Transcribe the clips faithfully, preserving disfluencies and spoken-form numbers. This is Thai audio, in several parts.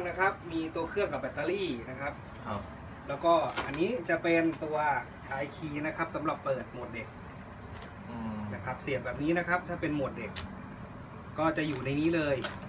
นะครับมีตัวเครื่องกับแบตเตอรี่นะครับครับแล้วก็อันนี้จะเป็นตัวชายคีย์นะครับสำหรับเปิดโหมดเด็กอืมนะครับเสียบแบบนี้นะครับถ้าเป็นโหมดเด็ก ก็จะอยู่ในนี้เลย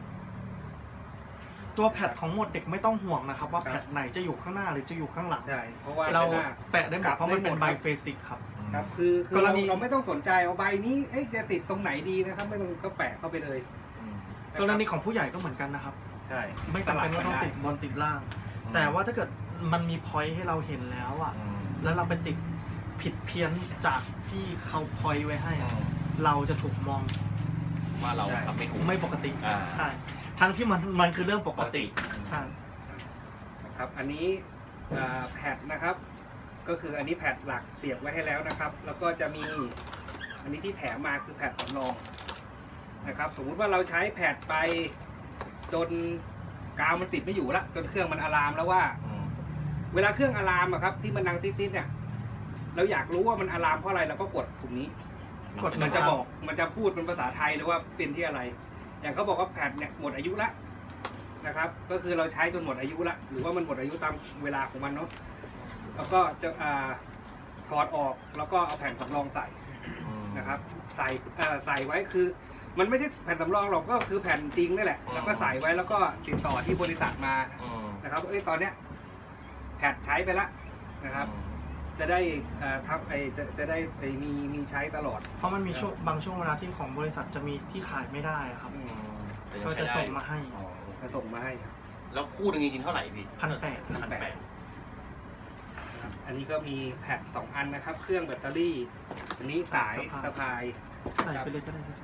ตัวแพดของโหมดเด็กไม่ต้องห่วงนะครับว่าแพดไหนจะอยู่ข้างหน้าหรือจะอยู่ข้างหลังใช่เพราะว่าเราหน้าแปะได้หมดเพราะมันเป็นไบเฟสิกครับครับคือคือกรเราณีเราไม่ต้องสนใจเอาใบนี้เอ๊ะจะติดตรงไหนดีนะครับ ไม่ต้องก็แปะเข้าไปเลยอืมกรณีของผู้ใหญ่ก็เหมือนกันนะครับใช่ไม่จำเป็นว่าต้องติดบนติดล่าง แต่ว่าถ้าเกิดมันมีพอยต์ให้เราเห็นแล้วอ่ะอืมแล้วเราไปติดผิดเพี้ยนจากที่เขาพอยต์ไว้ให้อือะมเราจะถูกมองว่าเราทำไม่ถูกไม่ปกติอ่าใช่ ทั้งที่มันมันคือเรื่องปปกกติติใช่นะครับอันนี้อ่าแพดนะครับ ก็คืออันนี้แพดหลักเสียบไว้ให้แล้วนะครับ แล้วก็จะมีอันนี้ที่แถมมาคือแพดสำรองนะครับ สมมุติว่าเราใช้แพดไปจนกาวมันติดไม่อยู่ละจนเครื่องมันอะลามแล้วว่าอืมเวลาเครื่องอะลามอะครับที่มันดังติดๆเนี่ยเราอยากรู้ว่ามันอะลามเพราะอะไรเราก็กดปุ่มนี้กดมันจะบอกมันจะพูดเป็นภาษาไทยหรือว่าเป็นที่อะไร อย่างเขาบอกว่าแพดเนี่ยหมดอายุละนะครับ ก็คือเราใช้จนหมดอายุละหรือว่ามันหมดอายุตามเวลาของมันเนาะแล้วก็จะอ่าถอดออกแล้วก็เอาแผ่นสำรองใส่อืมนะครับใส่เอ่อใส่ไว้คือ มันไม่ใช่แผ่นสำรองหรอกก็คือแผ่นจริงนี่แหละอืมแล้วก็ใส่ไว้แล้วก็ติดต่อที่บริษัทมาอืมนะครับเอ้ยตอนเนี้ยแผ่นใช้ไปละนะครับ จะได้เอ่อทำไอจะจะได้ไอมีมีใช้ตลอดเพราะมันมีช่วงบางช่วงเวลาที่ของบริษัทจะมีที่ขายไม่ได้ครับอืมแต่ยังก็ใช้จะได้ส่งมาให้อ๋อจะส่งมาให้ครับแล้วคู่หนึงจริงๆเท่าไหร่พี่พันแปดพันแปดนะครับอันนี้ก็มีแผ่นสองอันนะครับ เครื่องแบตเตอรี่ อันนี้สายสะพายใส่ไปเลยก็ได้ครับ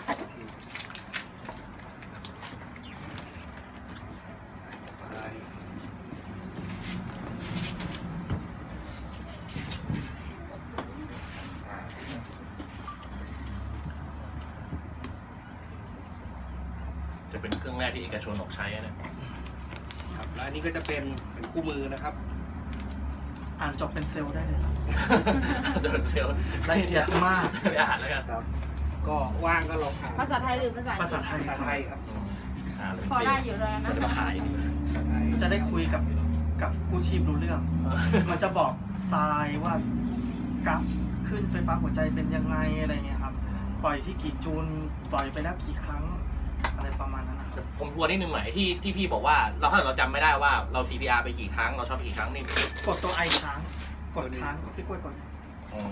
สะพายจะเป็นเครื่องแรกที่เอกชนออกใช้อะเนะครับแล้วอันนี้ก็จะเป็นเป็นคู่มือนะครับอ่านจบเป็นเซลล์ได้เลยครับเดินเซลล์ละเอียดมากไปอ่านแล้วกันครับ ก็ว่างก็ลองอ่านภาษาไทยหรือภาษาอังกฤษภาษาไทยภาษาไทยครับอืมอ่านแล้วพอเป็นเซลได้ล์อยู่แล้วนะมันจะมาขายดีภาษาไทยจะได้คุยกับกับกู้ชีพรู้เรื่อง มันจะบอกทรายว่ากราฟขึ้นไฟฟ้าหัวใจเป็นยังไงอะไรเงี้ยครับ ปล่อยที่กี่จูลปล่อยไปแล้วกี่ครั้งอะไรประมาณนั้นนะครับผมทวนนิดนึงหน่อยที่ที่พี่บอกว่าเราถ้าเราจำไม่ได้ว่าเรา ซี พี อาร์ ไปกี่ครั้งเราช็อตไปกี่ครั้งนี่กดตัวไอค้าง กดค้างพี่กล้วยกดอ๋อ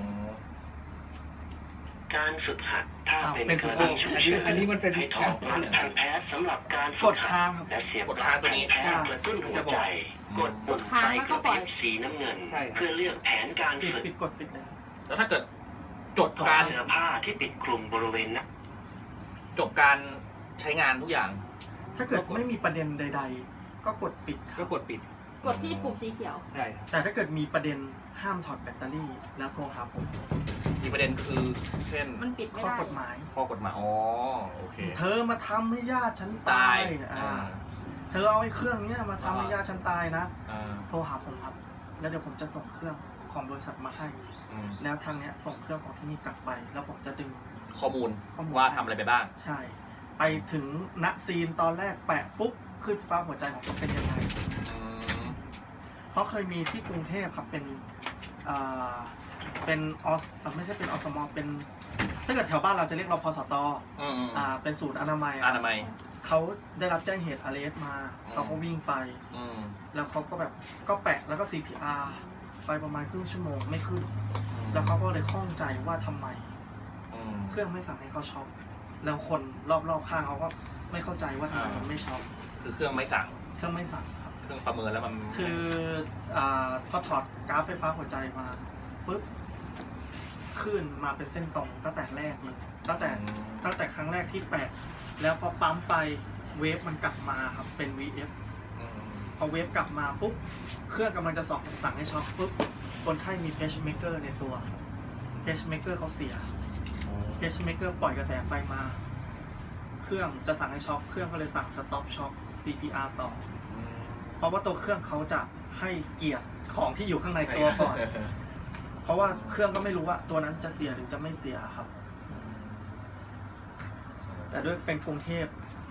การฝึกหัดถ้าอ้าวเป็นเป็นกฝึรกหัณีดฉุกเฉินอันนี้มันเป็นให้ถอดปลั๊กทางแพทย์สำหรับการกฝึดกหัค้างดครับและเสียบกดค้างตัวนี้แพทย์กระตุ้นหัวใจ กดปุ่มไฟกระพริบสีน้ำเงินใช่ครับเพื่อเลือกแผนการปิดฝึกปิดกดปิดเลยแล้วถ้าเกิดจบต่อการเสื้อผ้าที่ปิดคลุมบริเวณหน้าจบการใช้งานทุกอย่างถ้าเกิดไม่มีประเด็นใด ๆ ก็กดปิดคก็รับกดปิดกดที่ปุ่มสีเขียวใช่ครับแต่ถ้าเกิดมีประเด็นห้ามถอดแบตเตอรี่แล้วโทรหาผมมีประเด็นคือเช่นมันปิดไม่ข้อได้กฎหมายข้อกฎหมายอ๋อโอเคเธอมาทำให้ญาติฉันตาตายยอ่าอ่าเธอเอาไอ้เครื่องเนี้ยมาทำให้ญาติฉันตายนะอ่าโทรหาผมครับ แล้วเดี๋ยวผมจะส่งเครื่องของบริษัทมาให้อืมแล้วทางเนี้ยส่งเครื่องของที่นี่กลับไป แล้วผมจะดึงข้อมูลข้อมูลว่าทำอะไรไปบ้างใช่ ไปถึงณซีนตอนแรกแปะปุ๊บขึ้นฟ้าหัวใจของผมเป็นยังไงอืมเพราะเคยมีที่กรุงเทพครับเป็นอ่าเป็นออสอ่ะไม่ใช่เป็นอสมเป็นถ้าเกิดแถวบ้านเราจะเรียกรพสตอืมอืมอ่าเป็นศูนย์อนามัยอะอนามัยเขาได้รับแจ้งเหตุอาร์เอสมาอืมเขาก็วิ่งไปอืมแล้วเขาก็แบบก็แปะแล้วก็ ซี พี อาร์ ไปประมาณครึ่งชั่วโมงไม่ขึ้น แล้วเขาก็เลยข้องใจว่าทำไมอืมเครื่องไม่สั่งให้เขาช็อปแล้วคนรอบๆข้างเขาก็ไม่เข้าใจว่าทำไมอ่ามัมันไม่ช็อปคือเครื่องไม่สั่งเครื่องไม่สั่งครับเครื่องประเมินแล้วมันคืออ่าพอถอดกราฟไฟฟ้าหัวใจมาปุ๊บขึ้นมาเป็นเส้นตรงตั้งแต่แรกเลยตั้งแต่อืมตั้งแต่ครั้งแรกที่แปะแล้วพอปั๊มไปเวฟมันกลับมาครับเป็น วี เอฟอืมพอเวฟกลับมาปุ๊บเครื่องกำลังจะสอบสั่งให้ช็อปปุ๊บคนไข้มีเพชเมเกอร์ในตัวเพชเมเกอร์เขาเสียเพชเมเกอร์ปล่อยกระแสไฟมา เครื่องจะสั่งให้ช็อปเครื่องก็เลยสั่งสต็อปช็อป ซี พี อาร์ ต่ออืมเพราะว่าตัวเครื่องเขาจะให้เกียรติของที่อยู่ข้างในตัวก่อน เพราะว่าเครื่องก็ไม่รู้ว่าตัวนั้นจะเสียหรือจะไม่เสียครับ แต่ด้วยเป็นกรุงเทพ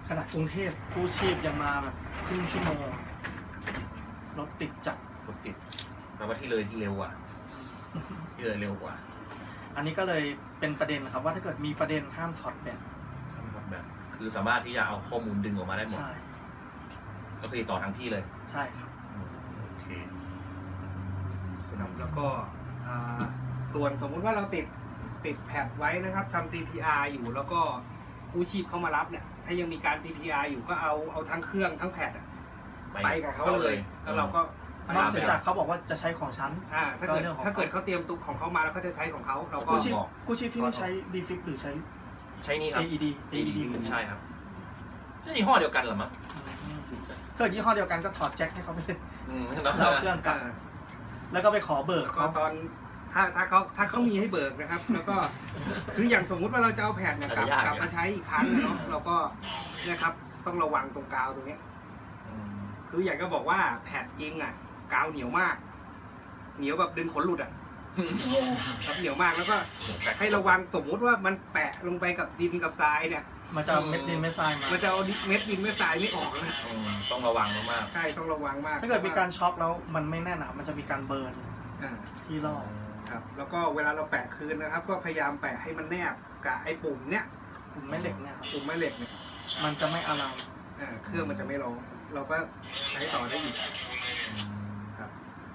ขนาดกรุงเทพกู้ชีพยังมาแบบครึ่งชั่วโมงรถติดจัดรถติดแปลว่าที่เลยที่เร็วกว่าที่เลยเร็วกว่าอันนี้ก็เลยเป็นประเด็นครับว่าถ้าเกิดมีประเด็นห้ามถอดแบตแบบคือสามารถที่จะเอาข้อมูลดึงออกมาได้หมดใช่ก็คือต่อทั้งที่เลยใช่ครับโอเคครับแล้วก็อ่าส่วนสมมุติว่าเราติดติดแพดไว้นะครับทำ ที พี อาร์ อยู่แล้วก็กู้ชีพเข้ามารับเนี่ยถ้ายังมีการ ที พี อาร์ อยู่ก็เอาเอาทั้งเครื่องทั้งแพดอะไปกับเขาเลยแล้วเราก็นอกจากเขาบอกว่าจะใช้ของฉันอ่าถ้าเกิดก็เรื่องของถ้าเกิดเขาเตรียมตุกของเขามาแล้วเขาจะใช้ของเขาเราก็กู้ชีพกู้ชีพที่นี่ใช้ ดีฟิก หรือใช้ใช้นี่ครับเอ อี ดี เอ อี ดีใช่ครับนี่ยี่ห้อเดียวกันเหรอมั้งเกิดยี่ห้อเดียวกันก็ถอดแจ็คให้เขาไปเลยอืมแล้วเอาเครื่องกลับอ่าแล้วก็ไปขอเบิกก็เขาตอนถ้าถ้าเขาถ้าเขามีให้เบิกนะครับ แล้วก็คืออย่างสมมุติว่าเราจะเอาแผ่นเนี่ยกลับกลับมาใช้อีกครั้งนะเนาะเราก็เนะครับต้องระวังตรงกาวตรงเนี้ยอืมคืออยากจะบอกว่าแผ่นจริงอ่ะกาวเหนียวมาก เหนียวแบบดึงขนหลุดอ่ะครับเหนียวมากแล้วก็ให้ระวังสมมุติว่ามันแปะลงไปกับดินกับทรายเนี่ยมันจะเอาเม็ดดินเม็ดทรายมามันจะเอาเม็ดดินเม็ดทรายไม่ออกนะอืมต้องระวังมากใช่ต้องระวังมากถ้าเกิดมีการช็อคแล้วมันไม่แน่นอะมันจะมีการเบิร์นอ่าที่รอบครับแล้วก็เวลาเราแปะคืนนะครับ ก็พยายามแปะให้มันแนบกับไอ้ปุ่มเนี้ยผมไม่เหล็กเนี่ยครับปุ่มแม่เหล็กเนี่ยมันจะไม่อารามอ่าเครื่องมันจะไม่ร้องเราก็ใช้ต่อได้อีกๆอืมครับ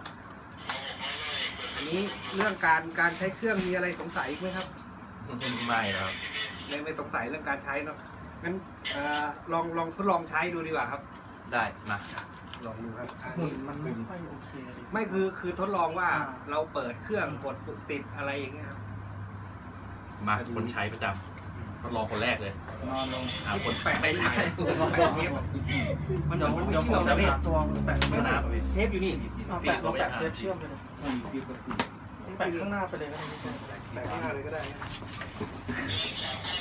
อันนี้เรื่องการการใช้เครื่องมีอะไรสงสัยอีกไหมครับไม่ครับไม่ไม่สงสัยเรื่องการใช้เนาะงั้นเอ่อลองลองทดลองใช้ดูดีกว่าครับได้มาลองดูครับอันหุ่นนี้มันไม่ค่อยโอเคเลยไม่คือคือทดลองว่าอ่าเราเปิดเครื่องกดปุ่มติดอะไรอย่างเงี้ยครับมาคนใช้ประจำทดลองคนแรกเลยนอนลงหาคนแปะไม่ไม่ใช่ใช่แปะเทปมันเดี๋ยวมันไม่เดี๋ยวเชื่ผอมมจะนะไปพี่หาตัวแปะไม่ไม่ได้ได้เทปอยู่นี่เอาแปะเราแปะเทปเชื่อมไปเลยแปะข้างหน้าไปเลยก็ได้แปะข้างหน้าเลยก็ได้นะ